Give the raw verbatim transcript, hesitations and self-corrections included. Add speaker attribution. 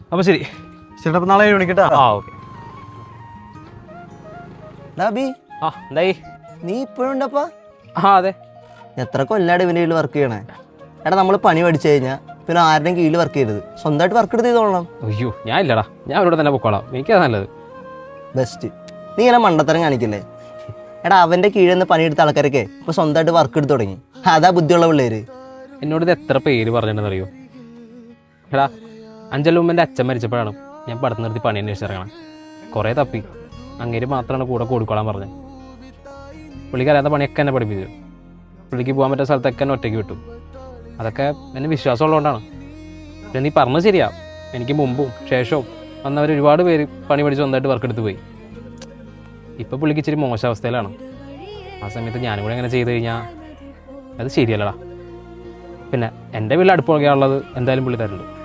Speaker 1: അപ്പോൾ ശരി
Speaker 2: ചേട്ടാ അപ്പം നാളെ ഏഴ് മണിക്കട്ടാ.
Speaker 1: ആ ഓക്കെ.
Speaker 3: ഡാബി
Speaker 1: ആ എന്തായി?
Speaker 3: നീ ഇപ്പോഴും ഉണ്ടപ്പാ?
Speaker 1: ആ അതെ.
Speaker 3: എത്ര കൊല്ലാട് ഇവൻ്റെ കീഴിൽ വർക്ക് ചെയ്യണേ? എടാ നമ്മൾ പണി പഠിച്ചു കഴിഞ്ഞാൽ പിന്നെ ആരുടെയും കീഴിൽ വർക്ക് ചെയ്യരുത്, സ്വന്തമായിട്ട് വർക്ക് എടുത്ത് ചെയ്തോളണം.
Speaker 1: അയ്യോ ഞാൻ ഇല്ലടാ, ഞാൻ ഇവിടെ തന്നെ പൊക്കോളാം, എനിക്കത് നല്ലത്.
Speaker 3: ബെസ്റ്റ്. നീ ഇങ്ങനെ മണ്ടത്തരം കാണിക്കില്ലേ? എടാ അവൻ്റെ കീഴിൽ നിന്ന് പണിയെടുത്ത ആൾക്കാരൊക്കെ ഇപ്പോൾ സ്വന്തമായിട്ട് വർക്ക് എടുത്ത് തുടങ്ങി. അതാ ബുദ്ധിയുള്ള പിള്ളേര്.
Speaker 1: എന്നോട് ഇത് എത്ര പേര് പറഞ്ഞിട്ടുണ്ടെന്ന് അറിയോ? എടാ അഞ്ചലുമ്മൻ്റെ അച്ഛൻ മരിച്ചപ്പോഴാണ് ഞാൻ പടത്ത് നിർത്തി പണി അന്വേഷിച്ചിറങ്ങണം. കുറേ തപ്പി, അങ്ങേര് മാത്രമാണ് കൂടെ കൊടുക്കോളാൻ പറഞ്ഞത്. പുള്ളിക്ക് അറിയാത്ത പണിയൊക്കെ എന്നെ പഠിപ്പിച്ചു. പുള്ളിക്ക് പോകാൻ പറ്റുന്ന സ്ഥലത്തൊക്കെ എന്നെ ഒറ്റയ്ക്ക് വിട്ടു. അതൊക്കെ എന്നെ വിശ്വാസമുള്ളതുകൊണ്ടാണ്. പിന്നെ നീ പറഞ്ഞത് ശരിയാ, എനിക്ക് മുമ്പും ശേഷവും വന്നവർ ഒരുപാട് പേര് പണി പഠിച്ച് സ്വന്തമായിട്ട് വർക്ക് എടുത്ത് പോയി. ഇപ്പോൾ പുള്ളിക്ക് ഇച്ചിരി മോശം അവസ്ഥയിലാണ്. ആ സമയത്ത് ഞാനും കൂടെ അങ്ങനെ ചെയ്ത് കഴിഞ്ഞാൽ അത് ശരിയല്ലടാ. പിന്നെ എൻ്റെ വീട്ടിൽ അടുപ്പ് ഉള്ളത് എന്തായാലും പുള്ളി തരുന്നുണ്ട്.